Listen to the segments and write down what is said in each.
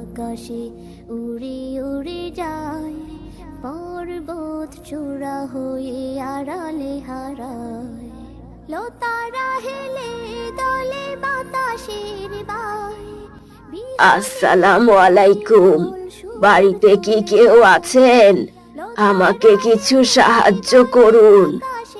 আকাশে উড়ে উড়ে যায়, পর্বত চূড়া হয়ে আড়ালে হারায়। লতারা হেলে দলে বাতাসের বায়। আসসালামু আলাইকুম। বাড়িতে কি কেউ আছেন? আমাকে কিছু সাহায্য করুন।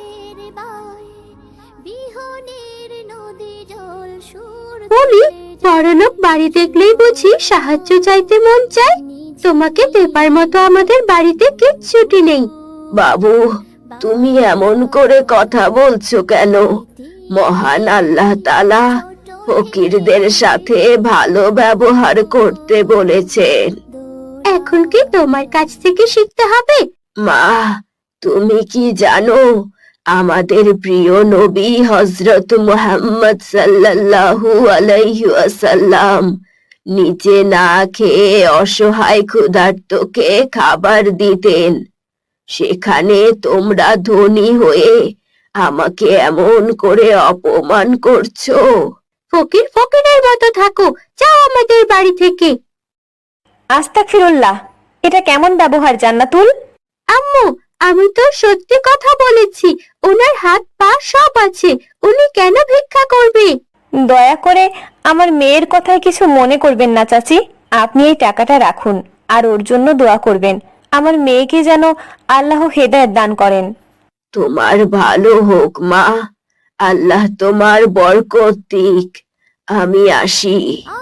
বলি, বড়লোক বাড়ি দেখলেই বুঝি সাহায্য চাইতে মন চায়? তোমাকে পেপার মতো আমাদের বাড়িতে কিচ্ছুটি নেই। বাবু, তুমি এমন করে কথা বলছো কেন? মহান আল্লাহ তাআলা ফকিরদের সাথে ভালো ব্যবহার করতে বলেছেন। এখন কি তোমার কাছ থেকে শিখতে হবে? মা, তুমি কি জানো আমাদের প্রিয় নবী হযরত মুহাম্মদ সাল্লাল্লাহু আলাইহি ওয়াসাল্লাম নিজে না খেয়ে অসহায় ক্ষুধার্তকে খাবার দিতেন। সেখানে তোমরা ধনী হয়ে আমাকে এমন করে অপমান করছো। ফকির ফকিরের মতো থাকো, যাও আমাদের বাড়ি থেকে। আস্তাগফিরুল্লাহ, এটা কেমন ব্যবহার জান্নাতুল? আম্মু, আমি তো সত্যি কথা বলেছি। ওনার হাত পা সব আছে, উনি কেন ভিক্ষা করবে? দয়া করে আমার মেয়ের কথায় কিছু মনে করবেন না চাচি। আপনি এই টাকাটা রাখুন আর ওর জন্য দোয়া করবেন। আমার মেয়েকে যেন আল্লাহ হেদায়েত দান করেন। তোমার ভালো হোক মা, আল্লাহ তোমার বরকত দিক। আমি আসি।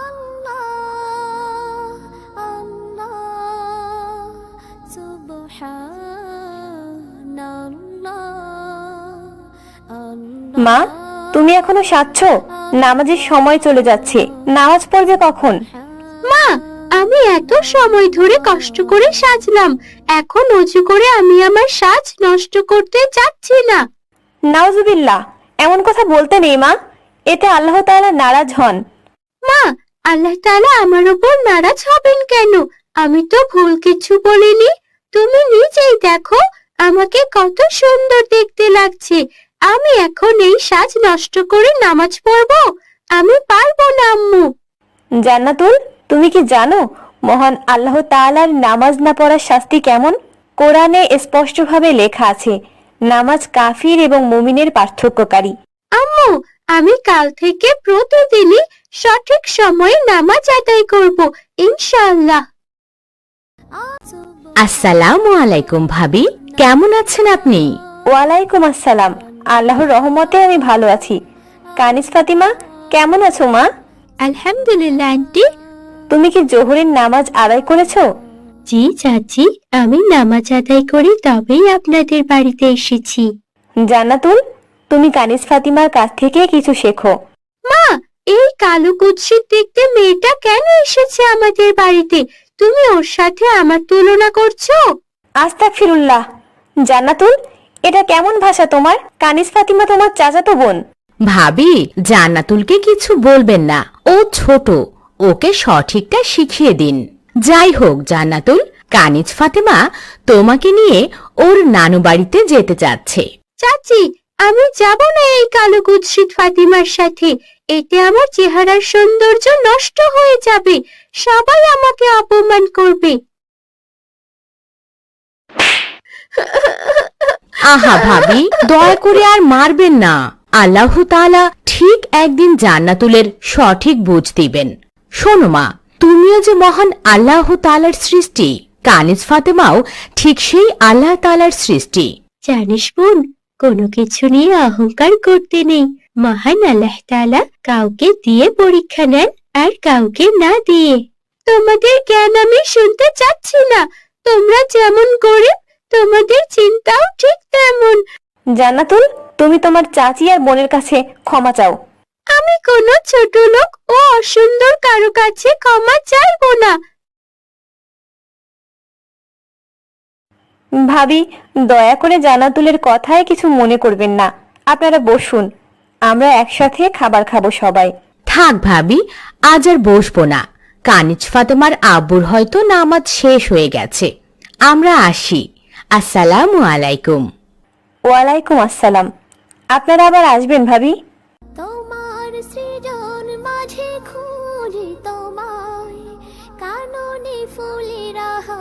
মা, তুমি এখনো সাজছ? নামাজের সময় চলে যাচ্ছে, নামাজ পড়বে কখন? মা, আমি এত সময় ধরে কষ্ট করে সাজলাম, এখন অজু করে আমি আমার সাজ নষ্ট করতে চাচ্ছি না। নাউজুবিল্লাহ, এমন কথা বলতে নেই মা, এতে আল্লাহ তাআলা নারাজ হন। মা, আল্লাহ তাআলা আমার উপর নারাজ হবেন কেন? আমি তো ভুল কিছু বলিনি। তুমি নিজেই দেখো আমাকে কত সুন্দর দেখতে লাগছে। আমি এখন এই সাজ নষ্ট করে নামাজ পড়বো? আমি পারবো না আম্মু। জান্নাতুল, তুমি কি জানো মহান আল্লাহ তাআলার নামাজ না পড়ার শাস্তি কেমন? কোরআনে স্পষ্টভাবে লেখা আছে, নামাজ কাফির এবং মুমিনের পার্থক্যকারী। আম্মু, আমি কাল থেকে প্রতিদিনই সঠিক সময়ে নামাজ আদায় করব, ইনশাআল্লাহ। আসসালামু আলাইকুম ভাবি, কেমন আছেন আপনি? ওয়ালাইকুম আসসালাম, আল্লাহর রহমতে আমি ভালো আছি। কানিস ফাতিমা, কেমন আছো মা? আলহামদুলিল্লাহ আন্টি। তুমি কি জোহরের নামাজ আদায় করেছো? জি চাচি, আমি নামাজ আদায় করে তবেই আপনাদের বাড়িতে এসেছি। জান্নাতুল, তুমি কানিস ফাতিমার কাছ থেকে কিছু শেখো। মা, এই কালো কুৎসিত দেখতে মেয়েটা কেন এসেছে আমাদের বাড়িতে? তুমি ওর সাথে আমার তুলনা করছো? আস্তাগফিরুল্লাহ। জান্নাতুল, এটা কেমন ভাষা তোমার? কানিস ফাতিমা তোমার চাচাতো বোন। ভাবি, জান্নাতুলকে কিছু বলবেন না, ও ছোট, ওকে সঠিকটা শিখিয়ে দিন। যাই হোক জান্নাতুল, কানিজ ফাতেমা তোমাকে নিয়ে ওর নানু বাড়িতে যেতে চাচ্ছে। চাচি, আমি যাব না এই কালো কুৎসিত ফাতিমার সাথে। এতে আমার চেহারার সৌন্দর্য নষ্ট হয়ে যাবে, সবাই আমাকে অপমান করবে। আহা ভাবি, দয়া করে আর মারবেন না। আল্লাহ তাআলা ঠিক একদিন জান্নাতুলের সঠিক বুঝ দিবেন। শোনো মা, তুমিও যে মহান আল্লাহ তাআলার সৃষ্টি, কানিজ ফাতেমাও ঠিক সেই আল্লাহ তাআলার সৃষ্টি। জানিস বোন, কোনো কিছু নিয়ে অহংকার করতে নেই। মহান আল্লাহ তাআলা কাউকে দিয়ে পরীক্ষা নেন আর কাউকে না দিয়ে। তোমাদের জ্ঞান আমি শুনতে চাচ্ছি না। তোমরা যেমন গরিব, তোমাদের চিন্তাও ঠিক তেমন। জান্নাতুল, তুমি তোমার চাচি আর বোনের কাছে ক্ষমা চাও। আমি কোনো ছোট লোক ও অসুন্দর কারো কাছে ক্ষমা চাইবো না। ভাবি, দয়া করে জান্নাতুলের কথায় কিছু মনে করবেন না। আপনারা বসুন, আমরা একসাথে খাবার খাবো সবাই। থাক ভাবি, আজ আর বসবো না। কানিজ ফাতেমার আব্বুর হয়তো নামাজ শেষ হয়ে গেছে। আমরা আসি। আসসালামু আলাইকুম। ওয়ালাইকুম আসসালাম। আপনারা আবার আসবেন ভাবি। তোমার সৃজন মাঝে খুঁজি তোমায়, কানো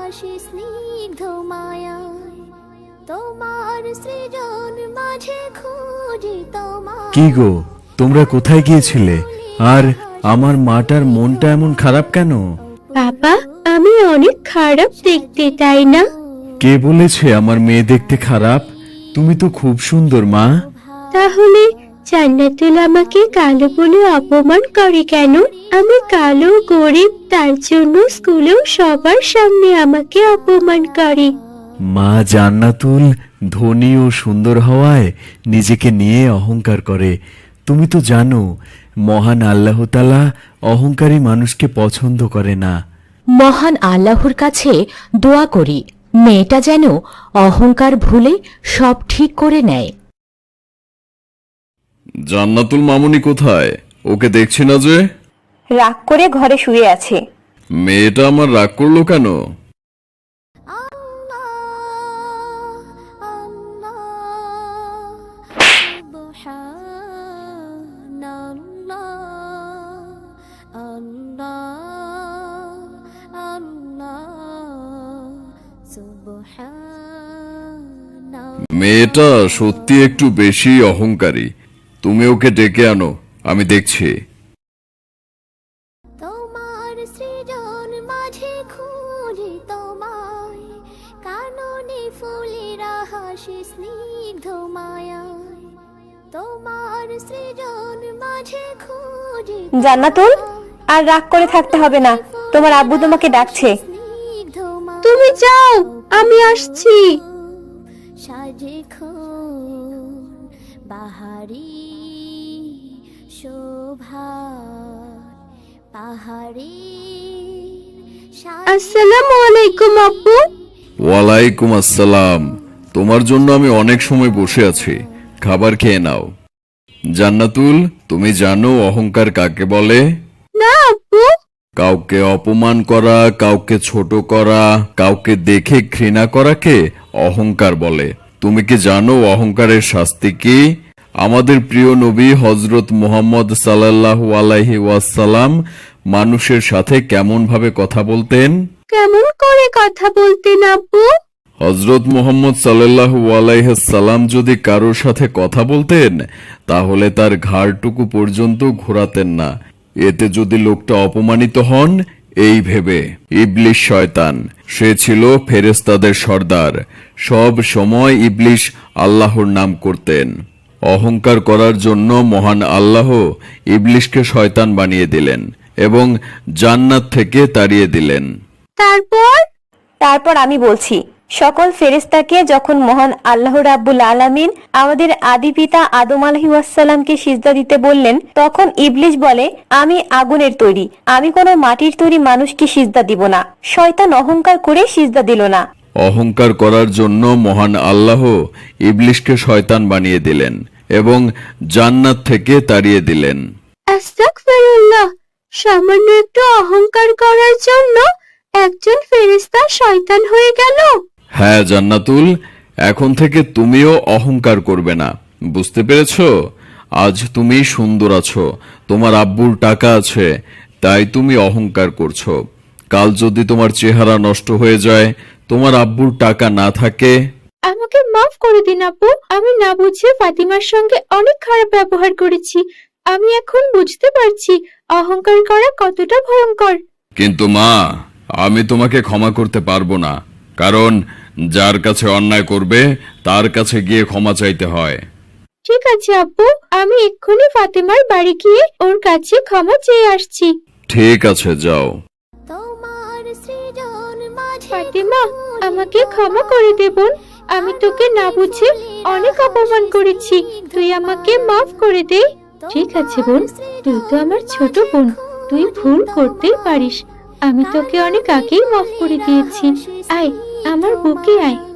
হাসি স্নিগ্ধ মায়ায়, তোমার সৃজন মাঝে খুঁজি তোমার। কি গো, তোমরা কোথায় গিয়েছিলে? আর আমার মাটার মনটা এমন খারাপ কেন? বাবা, আমি অনেক খারাপ দেখতে, তাই না? কে বলেছে আমার মেয়ে দেখতে খারাপ? তুমি তো খুব সুন্দর মা। তাহলে জান্নাতুল আমাকে কালো বলে অপমান করে কেন? আমি কালো, গরিব, তার জন্য স্কুলেও সবার সামনে আমাকে অপমান করে। মা জান্নাতুল ধনী ও সুন্দর হওয়ায় নিজেকে নিয়ে অহংকার করে। তুমি তো জানো মহান আল্লাহ তাআলা অহংকারী মানুষকে পছন্দ করে না। মহান আল্লাহর কাছে দোয়া করি মেয়েটা যেন অহংকার ভুলে সব ঠিক করে নেয়। জান্নাতুল মামুনি কোথায়? ওকে দেখছি না যে। রাগ করে ঘরে শুয়ে আছে। মেয়েটা আমার রাগ করলো কেন? মেয়েটা সত্যি একটু বেশি অহংকারী। তুমি ওকে ডেকে আনো, আমি দেখছি। তোমার সৃজন মাঝে খুঁজি তোমায়, কাননে ফুলেরা হাসি স্নিগ্ধ মায়ায়, তোমার সৃজন মাঝে খুঁজি জান্নাতুল, আর রাগ করে থাকতে হবে না, তোমার আব্বু তোমাকে ডাকছে। স্নিগ্ধ তুমি যাও, আমি আসছি। সাজে খুন বাহারি শোভা পাহাড়ি। আসসালামু আলাইকুম আব্বু। ওয়ালাইকুম আসসালাম। তোমার জন্য আমি অনেক সময় বসে আছি, খাবার খেয়ে নাও। জান্নাতুল, তুমি জানো অহংকার কাকে বলে? না আব্বু। কাউকে অপমান করা, কাউকে ছোট করা, কাউকে দেখে ঘৃণা করাকে অহংকার বলে। তুমি কি জানো অহংকারের শাস্তি কি? আমাদের প্রিয় নবী হযরত মুহাম্মদ সাল্লাল্লাহু আলাইহি ওয়াসাল্লাম মানুষের সাথে কেমন ভাবে কথা বলতেন? কেমন করে কথা বলতেন আব্বু? হযরত মুহাম্মদ সাল্লাল্লাহু আলাইহি সাল্লাম যদি কারোর সাথে কথা বলতেন তাহলে তার ঘাড়টুকু পর্যন্ত ঘোরাতেন না। এতে যদি লোকটা অপমানিত হন এই ভেবে ইবলিশ শয়তান, সে ছিল ফেরেশতাদের সর্দার, সব সময় ইবলিশ আল্লাহর নাম করতেন। অহংকার করার জন্য মহান আল্লাহ ইবলিশকে শয়তান বানিয়ে দিলেন এবং জান্নাত থেকে তাড়িয়ে দিলেন। তারপর আমি বলছি, সকল ফেরেশতাকে যখন মহান আল্লাহ রাব্বুল আলামিন আমাদের আদি পিতা আদম আলাইহিস সালামকে সিজদা দিতে বললেন, তখন ইবলিশ বলে, আমি আগুনের তৈরি, আমি কোনো মাটির তৈরি মানুষকে সিজদা দিব না। শয়তান অহংকার করে সিজদা দিল না। অহংকার করার জন্য মহান আল্লাহ ইবলিশকে শয়তান বানিয়ে দিলেন এবং জান্নাত থেকে তাড়িয়ে দিলেন। আস্তাগফিরুল্লাহ, সামান্য একটু অহংকার করার জন্য একজন ফেরেশতা শয়তান হয়ে গেল। হ্যাঁ জান্নাতুল, এখন থেকে তুমিও অহংকার করবে না, বুঝতে পেরেছো? আজ তুমি সুন্দর আছো, তোমার আব্বুর টাকা আছে, তাই তুমি অহংকার করছো। কাল যদি তোমার চেহারা নষ্ট হয়ে যায়, তোমার আব্বুর টাকা না থাকে। আমাকে মাফ করে দিন আব্বু, আমি না বুঝে ফাতিমার সঙ্গে অনেক খারাপ ব্যবহার করেছি। আমি এখন বুঝতে পারছি অহংকার করা কতটা ভয়ঙ্কর। কিন্তু মা, আমি তোমাকে ক্ষমা করতে পারবো না, কারণ যার কাছে অন্যায় করবে তার কাছে গিয়ে ক্ষমা চাইতে হয়। ঠিক আছে আব্বু, আমি এক্ষুনি ফাতিমার বাড়ি গিয়ে ওর কাছে ক্ষমা চেয়ে আসছি। ঠিক আছে, যাও। তোমার সৃজন মাঝে ফাতিমা, আমাকে ক্ষমা করে দে বোন, আমি তোকে না বুঝে অনেক অপমান করেছি, তুই আমাকে মাফ করে দে। ঠিক আছে বোন, তুই তো আমার ছোট বোন, তুই ভুল করতেই পারিস। আমি তোকে অনেক আগেই মাফ করে দিয়েছি। আয়, আমার বুকে আয়।